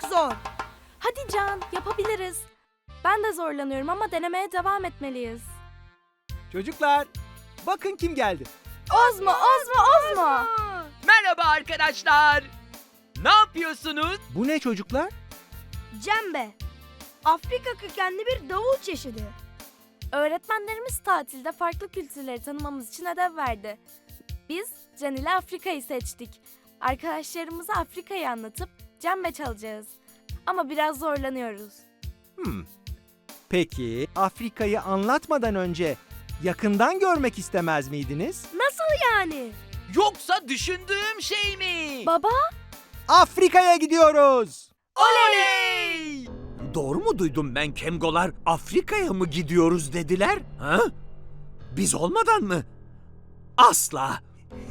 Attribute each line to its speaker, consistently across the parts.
Speaker 1: zor.
Speaker 2: Hadi Can, yapabiliriz. Ben de zorlanıyorum ama denemeye devam etmeliyiz.
Speaker 3: Çocuklar, bakın kim geldi.
Speaker 2: Ozmo, Ozmo, Ozmo.
Speaker 4: Merhaba arkadaşlar. Ne yapıyorsunuz?
Speaker 3: Bu ne çocuklar?
Speaker 1: Cembe. Afrika kökenli bir davul çeşidi.
Speaker 2: Öğretmenlerimiz tatilde farklı kültürleri tanımamız için ödev verdi. Biz Can ile Afrika'yı seçtik. Arkadaşlarımıza Afrika'yı anlatıp cembe çalacağız. Ama biraz zorlanıyoruz.
Speaker 3: Peki, Afrika'yı anlatmadan önce yakından görmek istemez miydiniz?
Speaker 1: Nasıl yani?
Speaker 4: Yoksa düşündüğüm şey mi?
Speaker 2: Baba,
Speaker 3: Afrika'ya gidiyoruz.
Speaker 4: Oley!
Speaker 5: Doğru mu duydum ben, Kemgolar? Afrika'ya mı gidiyoruz dediler? Ha? Biz olmadan mı? Asla.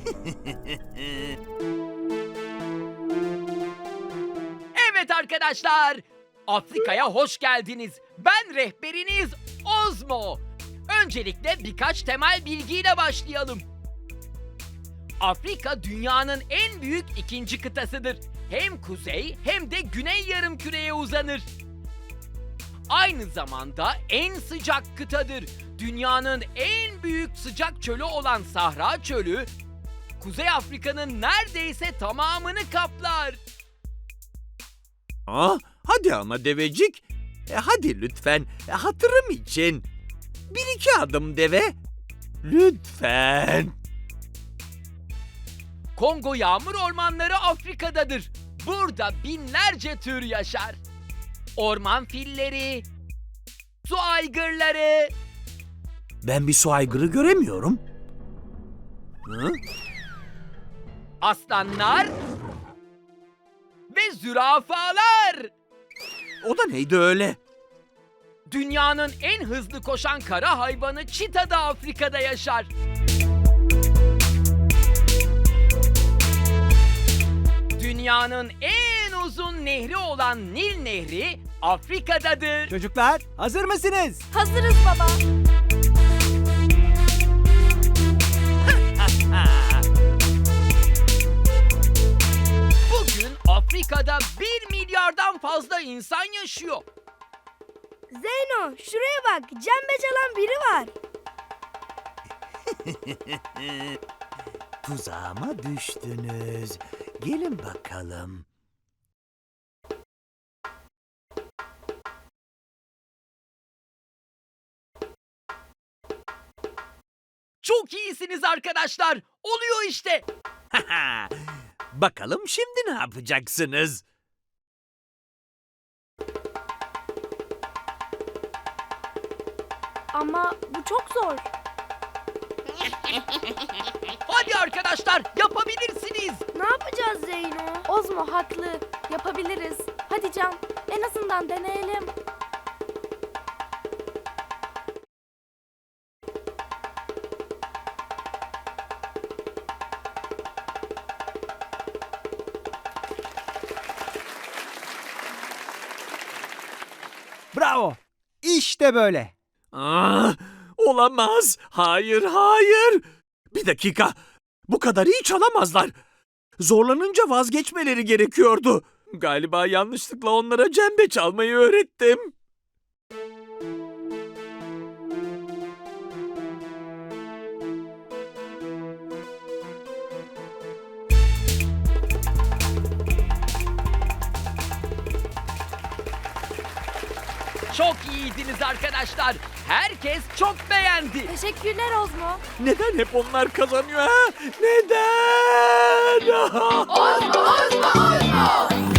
Speaker 4: Evet arkadaşlar. Afrika'ya hoş geldiniz. Ben rehberiniz Ozmo. Öncelikle birkaç temel bilgiyle başlayalım. Afrika dünyanın en büyük ikinci kıtasıdır. Hem kuzey hem de güney yarımküreye uzanır. Aynı zamanda en sıcak kıtadır. Dünyanın en büyük sıcak çölü olan Sahra Çölü, Kuzey Afrika'nın neredeyse tamamını kaplar.
Speaker 5: Hadi ama devecik. Hadi lütfen, hatırım için. Bir iki adım deve. Lütfen.
Speaker 4: Kongo yağmur ormanları Afrika'dadır. Burada binlerce tür yaşar. Orman filleri, su aygırları,
Speaker 5: Ben bir su aygırı göremiyorum. Hı?
Speaker 4: aslanlar ve zürafalar.
Speaker 5: O da neydi öyle?
Speaker 4: Dünyanın en hızlı koşan kara hayvanı çita da Afrika'da yaşar. Dünyanın en uzun nehri olan Nil Nehri Afrika'dadır.
Speaker 3: Çocuklar, hazır mısınız?
Speaker 2: hazırız baba.
Speaker 4: Bugün Afrika'da 1 milyardan fazla insan yaşıyor.
Speaker 1: Zeyno, şuraya bak. Cembe çalan biri var.
Speaker 5: Tuzağıma düştünüz. Gelin bakalım.
Speaker 4: Çok iyisiniz arkadaşlar. Oluyor işte.
Speaker 5: Bakalım şimdi ne yapacaksınız?
Speaker 2: Ama bu çok zor.
Speaker 4: Hadi arkadaşlar yapabilirsiniz.
Speaker 1: Ne yapacağız Zeyno?
Speaker 2: Ozmo haklı. Yapabiliriz. Hadi Can, en azından deneyelim.
Speaker 3: Bravo. İşte böyle.
Speaker 5: Olamaz. Hayır, hayır. Bir dakika. Bu kadar iyi çalamazlar. Zorlanınca vazgeçmeleri gerekiyordu. Galiba yanlışlıkla onlara cembe çalmayı öğrettim.
Speaker 4: Çok iyiydiniz arkadaşlar. Herkes çok beğendi.
Speaker 2: Teşekkürler Ozmo.
Speaker 5: Neden hep onlar kazanıyor ha? Neden?
Speaker 2: Ozmo, Ozmo, Ozmo.